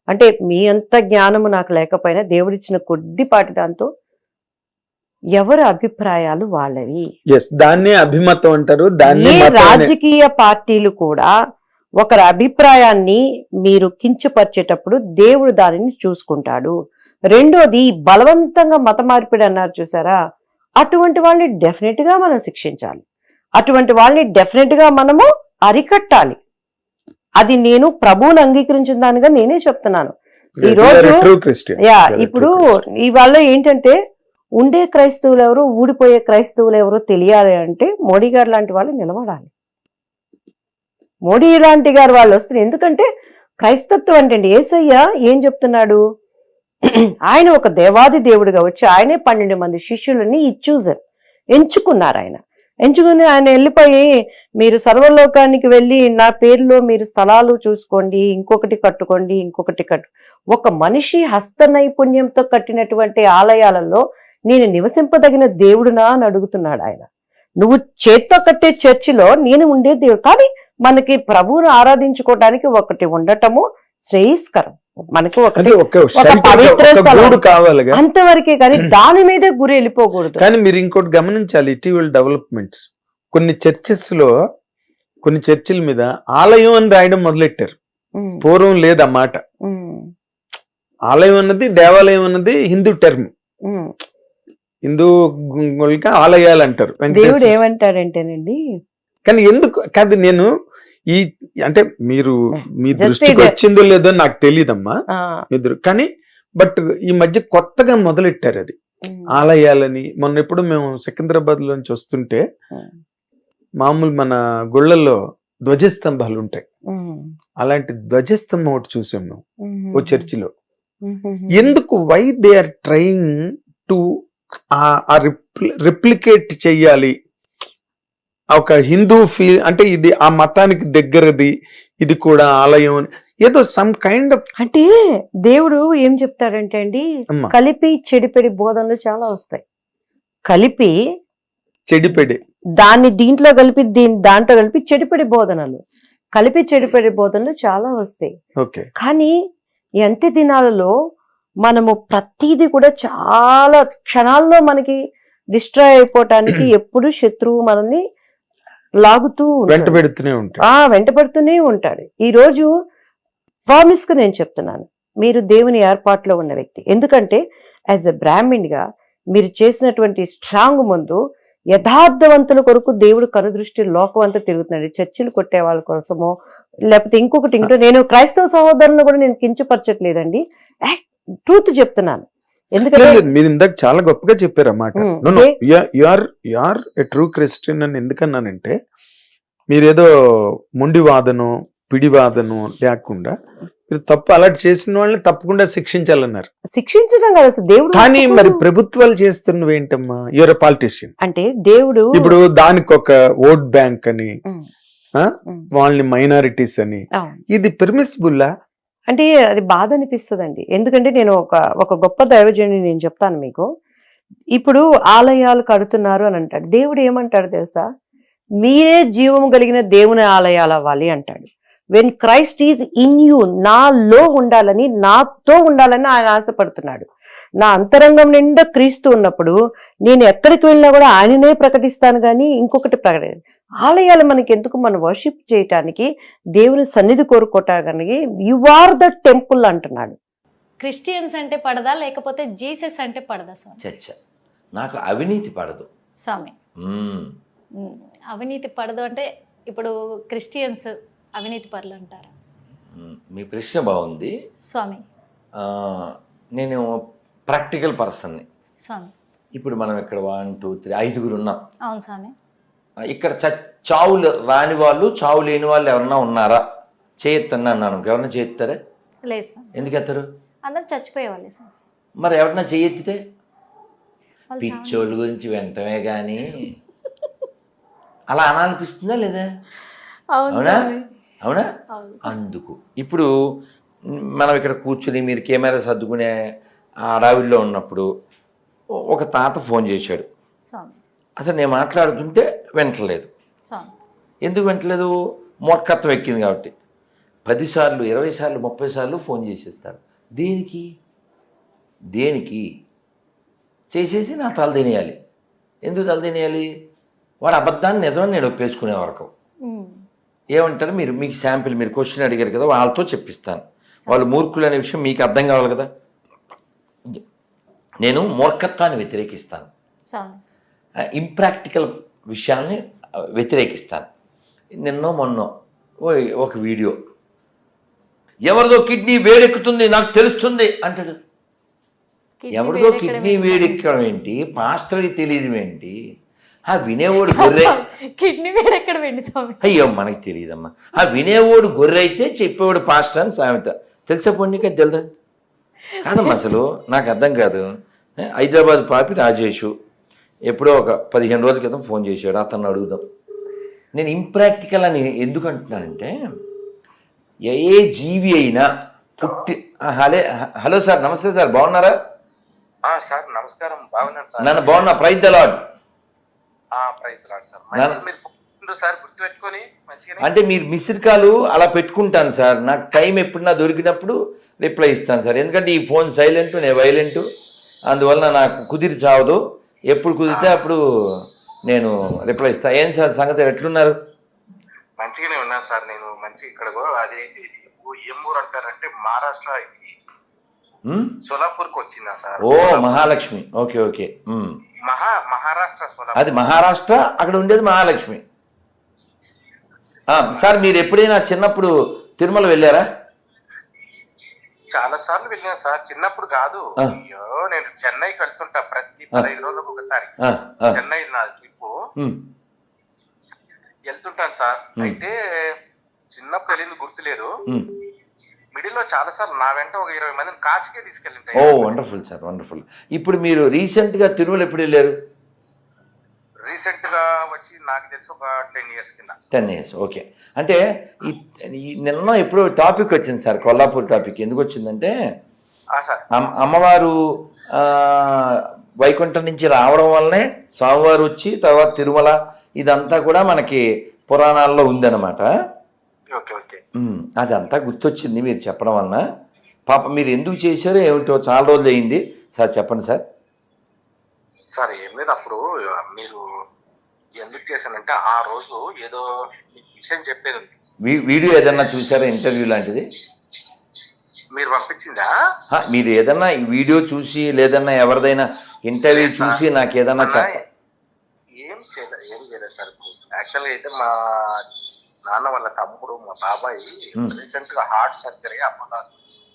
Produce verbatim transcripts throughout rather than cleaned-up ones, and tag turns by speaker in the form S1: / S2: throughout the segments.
S1: అంటే మీ అంత జ్ఞానము నాకు లేకపోయినా దేవుడిచ్చిన కొద్దిపాటి దాంతో ఎవరి అభిప్రాయాలు వాళ్ళవి.
S2: ఎస్, దాన్నే అభిమతం అంటారు. దాన్ని
S1: ఏ రాజకీయ పార్టీలు కూడా ఒకరి అభిప్రాయాన్ని మీరు కించపరిచేటప్పుడు దేవుడు దానిని చూసుకుంటాడు. రెండోది బలవంతంగా మత మార్పిడి అన్నారు చూసారా, అటువంటి వాళ్ళని డెఫినెట్ గా మనం శిక్షించాలి. అటువంటి వాళ్ళని డెఫినెట్ గా మనము అరికట్టాలి. అది నేను ప్రభువుని అంగీకరించిన దానిగా నేనే చెప్తున్నాను. ఈ రోజు యా ఇప్పుడు ఇవాళ ఏంటంటే ఉండే క్రైస్తవులు ఎవరు, ఊడిపోయే క్రైస్తవులు ఎవరో తెలియాలి అంటే మోడీ గారు లాంటి వాళ్ళు నిలబడాలి. మోడీ లాంటి గారు వాళ్ళు వస్తున్నారు. ఎందుకంటే క్రైస్తత్వం అంటే యేసయ్య ఏం చెప్తున్నాడు, ఆయన ఒక దేవాది దేవుడిగా వచ్చి ఆయనే పన్నెండు మంది శిష్యులని చూసారు, ఎంచుకున్నారు. ఆయన ఎంచుకుని ఆయన వెళ్ళిపోయి మీరు సర్వలోకానికి వెళ్ళి నా పేరులో మీరు స్థలాలు చూసుకోండి, ఇంకొకటి కట్టుకోండి, ఇంకొకటి కట్టు. ఒక మనిషి హస్త నైపుణ్యంతో కట్టినటువంటి ఆలయాలలో నేను నివసింపదగిన దేవుడునా అని అడుగుతున్నాడు ఆయన. నువ్వు చేత్తో కట్టే చర్చిలో నేను ఉండే దేవుడు. కానీ మనకి ప్రభువును ఆరాధించుకోవడానికి ఒకటి ఉండటము శ్రేయస్కరం. మనకు ఒకటి పవిత్ర స్థలం కావాలి అంతవరకే, కానీ దాని మీదే గురి వెళ్ళిపోకూడదు.
S2: కానీ మీరు ఇంకోటి గమనించాలి, ఇటీవల డెవలప్మెంట్స్ కొన్ని చర్చెస్ లో కొన్ని చర్చిల మీద ఆలయం అని రాయడం మొదలెట్టారు. పూర్వం లేదన్నమాట. ఆలయం అన్నది దేవాలయం అన్నది హిందూ టర్మ్. హిందూ ఆలయాలు అంటారు.
S1: దేవుడు ఏమంటాడంటేనండి,
S2: కానీ ఎందుకు కాదు, నేను ఈ అంటే మీరు మీ దృష్టికి వచ్చిందో లేదో నాకు తెలియదమ్మా ఇద్దరు, కానీ బట్ ఈ మధ్య కొత్తగా మొదలెట్టారు అది ఆలయాలని. మొన్న ఎప్పుడు మేము సికింద్రాబాద్ లోంచి వస్తుంటే మామూలు మన గుళ్ళల్లో ధ్వజస్తంభాలు ఉంటాయి, అలాంటి ధ్వజస్తంభం ఒకటి చూసాం మేము ఓ చర్చిలో. ఎందుకు why they are trying to replicate చెయ్యాలి ఒక హిందూ ఫీ అంటే ఇది ఆ మతానికి దగ్గరది, ఇది కూడా ఆలయం అని ఏదో సమ్ కైండ్ ఆఫ్.
S1: అంటే దేవుడు ఏం చెప్తాడంటే అండి, కలిపి చెడిపెడి బోధనలు చాలా వస్తాయి. కలిపి
S2: చెడిపెడి
S1: దాన్ని దీంట్లో కలిపి దీని దాంట్లో కలిపి చెడిపెడి బోధనలు, కలిపి చెడిపెడి బోధనలు చాలా వస్తాయి.
S2: ఓకే,
S1: కానీ ఈ అంత్య దినాలలో మనము ప్రతిదీ కూడా చాలా క్షణాల్లో మనకి డిస్ట్రాయ్ అయిపోవటానికి ఎప్పుడు శత్రువు మనల్ని లాగుతూ
S2: వెంట పెడుతూనే ఉంటాడు.
S1: ఆ వెంట పెడుతూనే ఉంటాడు. ఈ రోజు ప్రామిస్ గా నేను చెప్తున్నాను, మీరు దేవుని ఏర్పాటులో ఉన్న వ్యక్తి. ఎందుకంటే యాజ్ ఎ బ్రాహ్మణ్ గా మీరు చేసినటువంటి స్ట్రాంగ్ ముందు యథార్థవంతుల కొరకు దేవుడు కనుదృష్టి లోకం అంతా తిరుగుతున్నాడు. చర్చిలు కొట్టే వాళ్ళ కోసమో లేకపోతే ఇంకొకటి ఇంకో, నేను క్రైస్తవ సహోదరులను కూడా నేను కించపరచట్లేదండి, ట్రూత్ చెప్తున్నాను. ఎందుకంటే
S2: మీరు ఇందాక చాలా గొప్పగా చెప్పారు అన్నమాట. యూఆర్ ఎ ట్రూ క్రిస్టియన్ అని ఎందుకన్నానంటే, మీరేదో మొండి వాదను పిడి వాదను లేకుండా మీరు తప్పు అలర్ట్ చేసిన వాళ్ళని తప్పకుండా శిక్షించాలన్నారు.
S1: శిక్షించడం కదా అసలు దేవుడు.
S2: కానీ మరి ప్రభుత్వాలు చేస్తున్నవి ఏంటమ్మా, యూఆర్ ఎ పాలిటిషియన్
S1: అంటే దేవుడు
S2: ఇప్పుడు దానికి ఒక ఓట్ బ్యాంక్ అని వాళ్ళని మైనారిటీస్ అని, ఇది పెర్మిసిబుల్లా
S1: అంటే అది బాధ అనిపిస్తుందండి. ఎందుకంటే నేను ఒక ఒక గొప్ప దైవజనుని నేను చెప్తాను మీకు. ఇప్పుడు ఆలయాలు కడుతున్నారు అని అంటాడు, దేవుడు ఏమంటాడు తెలుసా, మీరే జీవము కలిగిన దేవుని ఆలయాలు అవ్వాలి అంటాడు. When Christ is in you, నాలో ఉండాలని నాతో ఉండాలని ఆయన ఆశపడుతున్నాడు. నా అంతరంగం నిండా క్రీస్తు ఉన్నప్పుడు నేను ఎక్కడికి వెళ్ళినా కూడా ఆయననే ప్రకటిస్తాను, కానీ ఇంకొకటి ప్రకటి ఆలయాలు మనకి ఎందుకు, మనం వర్షిప్ చేయటానికి, దేవుని సన్నిధి కోరుకోవటానికి. యు ఆర్ ద టెంపుల్ అంటున్నాడు.
S3: క్రిస్టియన్స్ అంటే పడదా లేకపోతే జీసస్ అంటే పడదా స్వామి?
S4: చచ్చ నాకు అవినీతి పడదు
S3: స్వామి. అవినీతి పడదు అంటే ఇప్పుడు క్రిస్టియన్స్ అవినీతి పరులు అంటారా?
S4: మీ ప్రశ్న బాగుంది
S3: స్వామి.
S4: నేను ప్రాక్టికల్ పర్సన్ని
S3: స్వామి.
S4: ఇప్పుడు మనం ఇక్కడ వన్ టూ త్రీ ఐదుగురు ఉన్నాం.
S3: అవును స్వామి.
S4: ఇక్కడ చావులు రాని వాళ్ళు చావు లేని వాళ్ళు ఎవరన్నా ఉన్నారా? చేయొత్తన్నా అన్నాను, ఎవరన్నా చేయెత్తారా?
S3: లేదు సార్.
S4: ఎందుకు ఎత్తారు?
S3: అందరు చచ్చిపోయేవాళ్ళే సార్.
S4: మరి ఎవరన్నా చేయెత్తితే పిచ్చోళ్ళ గురించి వెంటనే కానీ అలా అనాలనిపిస్తుందా లేదా? అవునా అవునా? అందుకు ఇప్పుడు మనం ఇక్కడ కూర్చుని మీరు కెమెరా సర్దుకునే ఆ అడవిలో ఉన్నప్పుడు ఒక తాత ఫోన్ చేశాడు. అసలు నేను మాట్లాడుతుంటే వింటలేదు. ఎందుకు వింటలేదు? మూర్ఖత్వం ఎక్కింది కాబట్టి. పదిసార్లు ఇరవై సార్లు ముప్పై సార్లు ఫోన్ చేసేస్తాడు. దేనికి దేనికి చేసేసి నా తల తినేయాలి. ఎందుకు తల తినేయాలి? వాడు అబద్ధాన్ని నిజమని నేను ఒప్పేసుకునే వరకు ఏమంటారు మీరు, మీకు శాంపిల్ మీరు క్వశ్చన్ అడిగారు కదా, వాళ్ళతో చెప్పిస్తాను. వాళ్ళు మూర్ఖులు అనే విషయం మీకు అర్థం కావాలి కదా. నేను మూర్ఖత్వాన్ని వ్యతిరేకిస్తాను, ఇంప్రాక్టికల్ విషయాల్ని వ్యతిరేకిస్తాను. నిన్నో మొన్నో ఒక వీడియో, ఎవరిదో కిడ్నీ వేడెక్కుతుంది నాకు తెలుస్తుంది అంటాడు. ఎవరిదో కిడ్నీ వేడెక్కడం ఏంటి, పాస్టర్కి తెలియదు ఏంటి? ఆ వినేవాడు గొర్రె,
S3: కిడ్నీ వేడెక్కడ వెండి స్వామి,
S4: అయ్యో మనకి తెలియదమ్మా. ఆ వినేవాడు గొర్రె అయితే చెప్పేవాడు పాస్టర్ అని సామెత. తెలుసా పొన్నిక తెలుదా? కాదమ్మా, అసలు నాకు అర్థం కాదు. హైదరాబాద్ పాపి రాజేషు ఎప్పుడో ఒక పదిహేను రోజుల క్రితం ఫోన్ చేశాడు, అతను అడుగుదాం. నేను ఇంప్రాక్టికల్ అని ఎందుకు అంటున్నానంటే, ఏ జీవి అయినా పుట్టి హలే హలో సార్ నమస్తే సార్, బాగున్నారా?
S5: సార్ నమస్కారం, బాగున్నాను సార్.
S4: నన్ను బాగున్నా, ప్రైజ్ ద లార్డ్. అంటే మీరు మిస్డ్ కాల్ అలా పెట్టుకుంటాను సార్, నాకు టైం ఎప్పుడన్నా దొరికినప్పుడు రిప్లై ఇస్తాను సార్. ఎందుకంటే ఈ ఫోన్ సైలెంట్, నేను వైలెంట్, అందువల్ల నాకు కుదిరి చావదు. ఎప్పుడు కుదిరితే అప్పుడు నేను రిప్లై ఇస్తాను. ఏం సార్ సంగతి, ఎట్లున్నారు?
S5: మంచిగానే ఉన్నాను సార్. నేను మంచి ఇక్కడ అదే ఏం ఊరు అంటారంటే మహారాష్ట్ర, సోలాపూర్ కు వచ్చిందా సార్?
S4: ఓ మహాలక్ష్మి, ఓకే ఓకే.
S5: మహా మహారాష్ట్ర సోలాపూర్,
S4: అది మహారాష్ట్ర, అక్కడ ఉండేది మహాలక్ష్మి. సార్ మీరు ఎప్పుడైనా చిన్నప్పుడు తిరుమల వెళ్ళారా?
S5: చాలా సార్లు వెళ్ళాను సార్. చిన్నప్పుడు కాదు, అయ్యో నేను చెన్నైకి వెళ్తుంటా ప్రతి పదహైదు రోజులకు ఒకసారి. చెన్నై నా ట్రిప్ వెళ్తుంటాను సార్. అయితే చిన్నప్పుడు వెళ్ళింది గుర్తులేదు. మిడిల్ లో చాలా సార్లు నా వెంట ఒక ఇరవై మందిని కాశీకే తీసుకెళ్ళింటాయి.
S4: ఓ వండర్ఫుల్ సార్, వండర్ఫుల్. ఇప్పుడు మీరు రీసెంట్ గా తిరుమల ఎప్పుడు వెళ్ళారు?
S5: రీసెంట్ గా వచ్చి నాకు తెలిసి ఒక టెన్ ఇయర్స్ కింద.
S4: Ten years okay. అంటే ఈ నిన్న ఎప్పుడో టాపిక్ వచ్చింది సార్, కొల్లాపూర్ టాపిక్. ఎందుకు వచ్చిందంటే, అమ్మవారు వైకుంఠం నుంచి రావడం వల్లనే స్వామివారు వచ్చి తర్వాత తిరుమల, ఇదంతా కూడా మనకి పురాణాల్లో ఉందన్నమాట. అదంతా గుర్తొచ్చింది మీరు చెప్పడం వలన. పాప మీరు ఎందుకు చేశారో ఏమిటో, చాలా రోజులు అయింది సార్, చెప్పండి సార్.
S5: సార్ ఏం లేదు, అప్పుడు మీరు ఎందుకు చేశానంటే ఆ రోజు ఏదో విషయం చెప్పేది ఉంది.
S4: వీడియో ఏదన్నా చూసారా, ఇంటర్వ్యూ లాంటిది
S5: మీరు పంపించిందా?
S4: మీరు ఏదన్నా వీడియో చూసి లేదన్నా ఎవరిదైనా ఇంటర్వ్యూ చూసి నాకు ఏదన్నా చెప్ప.
S5: ఏం చేయలేదు ఏం చేయలేదు సార్. యాక్చువల్గా అయితే మా నాన్న వాళ్ళ తమ్ముడు మా బాబాయ్ రీసెంట్ గా హార్ట్ సర్జరీ అమ్మగారు.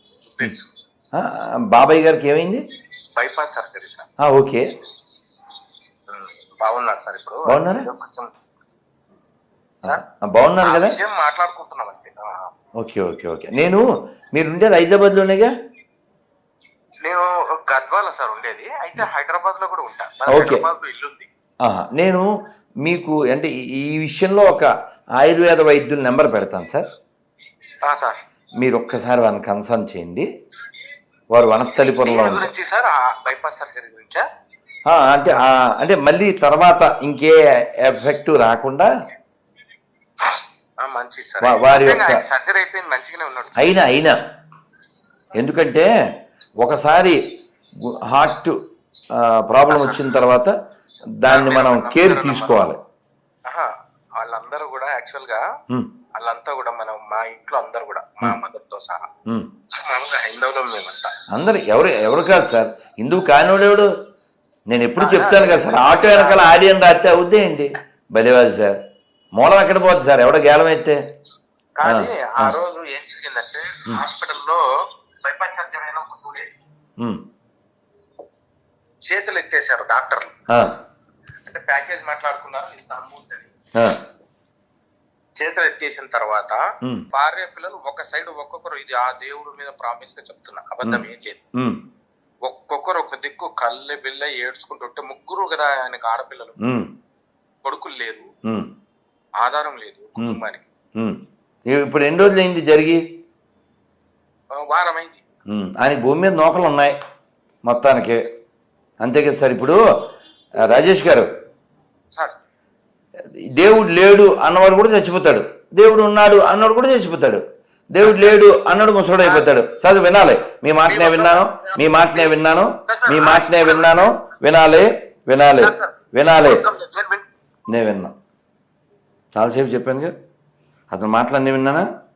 S4: బాబాయ్ గారికి ఏమైంది?
S5: Bypass surgery sir.
S4: ఓకే,
S5: బాగున్నారు సార్. ఇప్పుడు
S4: బాగున్నారా? బాగున్నారు కదా,
S5: మాట్లాడుకుంటున్నాం అంతే.
S4: Okay okay okay. నేను మీరు ఉండేది హైదరాబాద్ లోనేగా?
S5: నేను గద్వాల సార్ ఉండేది, అయితే హైదరాబాద్ లో కూడా ఉంటా. హైదరాబాద్ లో ఇల్లుంది.
S4: నేను మీకు అంటే ఈ విషయంలో ఒక ఆయుర్వేద వైద్యుల నెంబర్ పెడతాను సార్.
S5: సార్
S4: మీరు ఒక్కసారి వాళ్ళని కన్సల్ట్ చేయండి. వారు వనస్థలిపురంలో
S5: గురించి సార్, బైపాస్ సర్జరీ గురించా?
S4: అంటే అంటే మళ్ళీ తర్వాత ఇంకే ఎఫెక్ట్ రాకుండా వారి యొక్క
S5: సర్జరీ అయిపోయింది, మంచిగానే ఉన్నాడు.
S4: అయినా అయినా ఎందుకంటే ఒకసారి హార్ట్ ప్రాబ్లం వచ్చిన తర్వాత దాన్ని మనం కేర్ తీసుకోవాలి.
S5: వాళ్ళందరూ కూడా యాక్చువల్ గా వాళ్ళంతా కూడా మనం మా ఇంట్లో అందరు కూడా మా మదర్ తో సహా హైందవులో మేమంతా
S4: అందరు. ఎవరు ఎవరు కాదు సార్, హిందువు కానివాడు ఎవడు? నేను ఎప్పుడు చెప్తాను కదా సార్, ఆటో వెనకాల ఆడియన్ రాస్తే అవుద్దే ఏంటి బలివాది సార్. మూలం ఎక్కడ పోద్ది సార్, ఎవడో గేలం అయితే.
S5: కానీ ఆ రోజు ఏం జరిగిందంటే, హాస్పిటల్లో బైపాస్ సర్జరీ అయిన ఒక టూ డేస్ చేతులు ఎత్తేసారు డాక్టర్లు. అంటే ప్యాకేజ్ మాట్లాడుకున్నారు, ఇంత అమౌంట్ అని. చేతులు ఎత్తేసిన తర్వాత భార్య పిల్లలు ఒక సైడ్ ఒక్కొక్కరు, ఇది ఆ దేవుడి మీద ప్రామిస్ గా చెప్తున్నా, అబద్ధం ఏం లేదు, ఒక్కొక్కరు ఒక దిక్కు కళ్ళె బిల్ల ఏడ్చుకుంటుంటే, ముగ్గురు కదా ఆయనకు ఆడపిల్లలు, కొడుకులు లేరు, ఆధారం లేదు కుటుంబానికి.
S4: ఇప్పుడు ఎన్ని రోజులు అయింది జరిగి?
S5: వారం అయింది.
S4: ఆయన భూమి మీద నూకలు ఉన్నాయి మొత్తానికి, అంతే కదా సార్. ఇప్పుడు రాజేష్ గారు, దేవుడు లేడు అన్నవాడు కూడా చచ్చిపోతాడు, దేవుడు ఉన్నాడు అన్నవాడు కూడా చచ్చిపోతాడు. దేవుడు లేడు అన్నాడు ముసడు అయిపోతాడు. చదువు వినాలి, మీ మాటనే విన్నాను, మీ మాటనే విన్నాను, మీ మాటనే విన్నాను, వినాలి వినాలి వినాలి. నేను విన్నా, చాలాసేపు చెప్పాను కదా, అతను మాటలన్నీ విన్నానా?